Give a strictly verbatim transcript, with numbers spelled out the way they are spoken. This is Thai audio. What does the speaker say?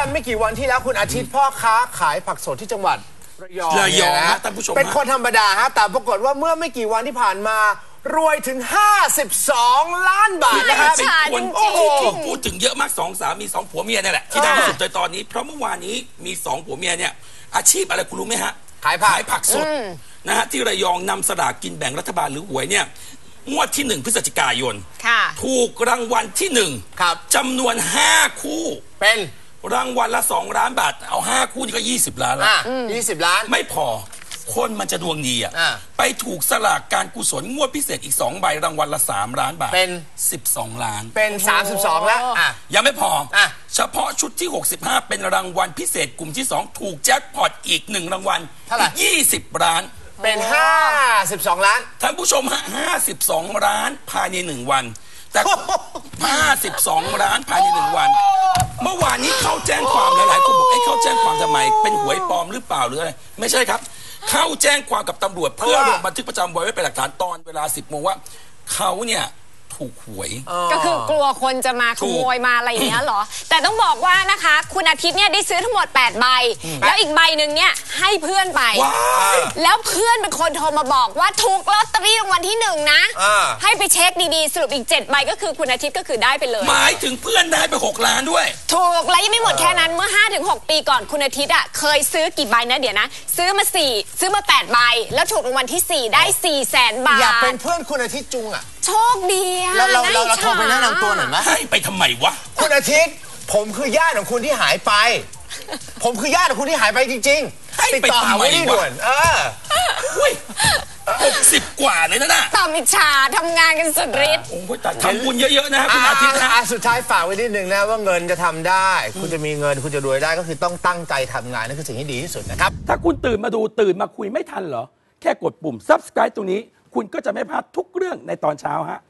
ไม่กี่วันที่แล้วคุณอาทิตย์พ่อค้าขายผักสดที่จังหวัดระยองระยองฮะท่านผู้ชมเป็นคนธรรมดาฮะแต่ปรากฏว่าเมื่อไม่กี่วันที่ผ่านมารวยถึงห้าสิบสองล้านบาทนะครับเป็นคนที่ถูกพูดถึงเยอะมากสองสามีสองผัวเมียนี่แหละที่ได้ที่สุดในตอนนี้เพราะเมื่อวานนี้มีสองผัวเมียเนี่ยอาชีพอะไรคุณรู้ไหมฮะขายผักขายผักสดนะฮะที่ระยองนำสลากกินแบ่งรัฐบาลหรือหวยเนี่ยงวดที่หนึ่งพฤศจิกายนถูกรางวัลที่หนึ่งจำนวนห้าคู่เป็นรางวัลละสองล้านบาทเอาห้าคู่นี่ก็ยี่สิบล้านแล้วยี่สิบล้านไม่พอคนมันจะดวงดีอ่ะไปถูกสลากการกุศลงวดพิเศษอีกสองใบรางวัลละสามล้านบาทเป็นสิบสองล้านเป็นสามสิบสองแล้วยังไม่พอเฉพาะชุดที่หกสิบห้าเป็นรางวัลพิเศษกลุ่มที่สองถูกแจ็คพอตอีกหนึ่งรางวัลเท่าไหร่ยี่สิบล้านเป็นห้าสิบสองล้านท่านผู้ชมฮะห้าสิบสองล้านภายในหนึ่งวันแต่ห้าสิบสองล้านภายในหนึ่งวันเมื่อวานนี้เขาแจ้งความหลายๆคนบอกไอ้เขาแจ้งความทำไมเป็นหวยปลอมหรือเปล่าหรืออะไรไม่ใช่ครับเขาแจ้งความกับตำรวจเพื่อลงบันทึกประจำวันไว้เป็นหลักฐานตอนเวลาสิบโมงว่าเขาเนี่ยถูกหวยก็คือกลัวคนจะมาขโมยมาอะไรอย่างเงี้ยหรอแต่ต้องบอกว่านะคะคุณอาทิตย์เนี่ยได้ซื้อทั้งหมดแปดใบแล้วอีกใบหนึ่งเนี่ยให้เพื่อนไปแล้วเพื่อนเป็นคนโทรมาบอกว่าถูกลอตเตอรี่รางวัลที่หนึ่งนะให้ไปเช็คดีๆสรุปอีกเจ็ดใบก็คือคุณอาทิตย์ก็คือได้ไปเลยหมายถึงเพื่อนได้ไปหกล้านด้วยถูกและยังไม่หมดแค่นั้นเมื่อ ห้าถึงหก ปีก่อนคุณอาทิตย์อ่ะเคยซื้อกี่ใบนะเดี๋ยวนะซื้อมาสี่ซื้อมาแปดใบแล้วถูกรางวัลที่สี่ได้สี่แสนบาทอยากเป็นเพื่อนคุณอาทิตย์จุงอ่ะโชคดีอะเราเราเราโทรไปแนะนำตัวหน่อยไหมให้ไปทำไมวะคุณอาทิตย์ผมคือญาติของคุณที่หายไปผมคือญาติของคุณที่หายไปจริงๆติดต่อหาไว้ที่ด่วนเอออุ้ยหกสิบกว่าเลยนะน่ะต่อมิจฉาทำงานกันสุดฤทธิ์โอ้ยแต่ทำบุญเยอะๆนะคุณอาทิตย์นะสุดท้ายฝากไว้นิดนึงนะว่าเงินจะทำได้คุณจะมีเงินคุณจะรวยได้ก็คือต้องตั้งใจทำงานนั่นคือสิ่งที่ดีที่สุดนะครับถ้าคุณตื่นมาดูตื่นมาคุยไม่ทันเหรอแค่กดปุ่ม ซับสไครบ์ ตรงนี้คุณก็จะไม่พลาดทุกเรื่องในตอนเช้าฮะ